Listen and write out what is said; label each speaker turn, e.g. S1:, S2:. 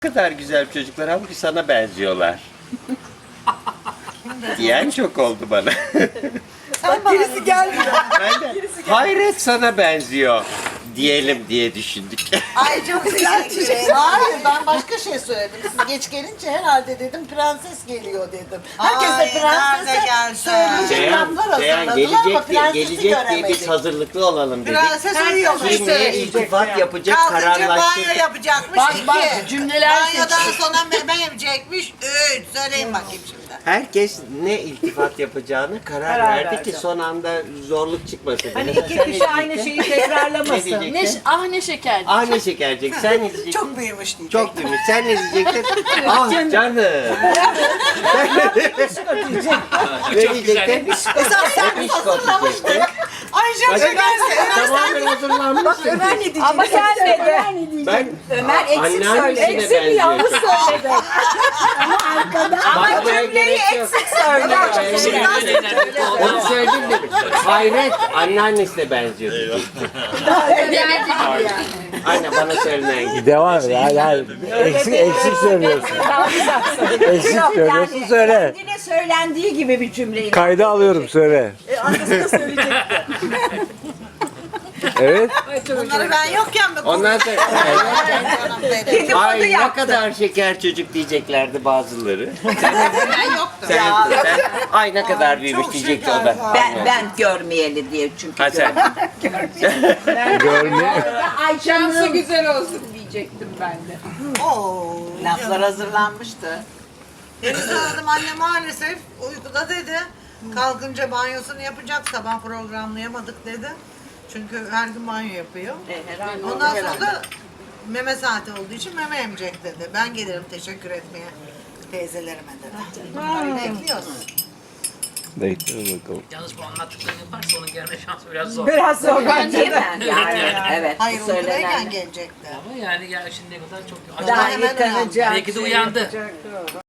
S1: kadar güzel çocuklar halbuki sana benziyorlar. Diyen çok oldu bana.
S2: Bak gerisi gelmiyor.
S1: Ben de hayret sana benziyor diyelim diye düşündük.
S2: Ay çok teşekkür ederim. Hayır ben başka şey söyledim. Siz geç gelince herhalde dedim prenses geliyor dedim. Herkes de
S3: Ay, nerede
S2: prensese
S3: geldi?
S2: söyleyecek laflar
S1: Seyhan
S2: hazırladılar ama prensesi
S1: gelecek diye biz
S2: göremedik.
S1: hazırlıklı olalım dedik.
S3: Prenses uyuyormuş.
S1: Kim neye iltifat yapacak
S3: Kalkınca banyo
S1: kararlaştırdık.
S3: yapacakmış.
S4: Bak,
S3: iki.
S4: bak, cümleler
S3: Banyodan
S4: seçiyor.
S3: sonra meme yemeyecekmiş. Üç. Söyleyin bakayım şimdi.
S1: Herkes ne iltifat yapacağını karar verdi ki son anda zorluk çıkmasın.
S5: Hani
S1: Mesela
S5: iki
S1: sen
S5: kişi
S1: ne
S5: aynı
S1: diyeceksin?
S5: şeyi tekrarlamasın.
S1: Ne diyeceksin?
S4: Ne şeker.
S1: Ah ne şekercik. Sen ne diyeceksin?
S3: Çok büyümüş diyecek.
S1: Çok büyümüş. Sen ne diyecektin? Ah canım. Ne diyecektin?
S2: Esas sen
S1: Bişkot diyecektin.
S3: Ay çok şekersin.
S1: Tamamen hazırlanmışsın.
S2: Ömer ne diyecek?
S5: Ama gelmedi.
S1: Ben
S5: Ömer eksik
S1: anneannesine
S5: söyledi. Eksik
S1: benziyor
S5: yanlış
S1: çok.
S5: söyledi. Ama
S1: Bakmaya
S5: cümleyi
S1: gerek yok.
S5: eksik söyledi.
S1: Onu söyledim de. Hayret anneannesine benziyor. Anne bana söylenen gibi.
S6: Devam et. Hayır. Eksik söylüyorsun. Eksik söylüyorsun söyle.
S5: Kendine söylendiği gibi bir cümleyi.
S6: Kayda alıyorum söyle.
S5: Arkasında söyleyecekti.
S6: Evet.
S3: Bunları ben yokken mi?
S1: Ondan sonra
S3: Canım benim.
S1: ay ne kadar şeker çocuk diyeceklerdi bazıları.
S3: Ben yoktum.
S1: Sen, ay ne kadar büyümüş
S3: çok
S1: diyecekti o
S3: şeker
S1: da.
S3: var.
S5: Ben görmeyeli diye çünkü.
S1: Ha sen.
S6: Görme.
S5: Ayşe'nin
S4: güzel olsun diyecektim ben de.
S3: Oo.
S5: laflar hazırlanmıştı.
S3: Deniz aradım anne maalesef uykuda dedi. Kalkınca banyosunu yapacak sabah programlayamadık dedi. Çünkü her gün banyo yapıyor. Ondan sonra da meme saati olduğu için meme emecek dedi. Ben gelirim teşekkür etmeye teyzelerime dedi. Bekliyoruz.
S6: Bekliyoruz bakalım.
S7: Yalnız bu anlattıklarını yaparsa onun gelme şansı biraz zor.
S5: biraz zor bence de. Yani evet.
S3: Hayır
S5: söylenen.
S3: uykudayken gelecekti.
S7: Ama yani ya şimdiye kadar çok...
S5: Daha
S3: hemen
S5: yıkanacak.
S7: Belki de uyandı.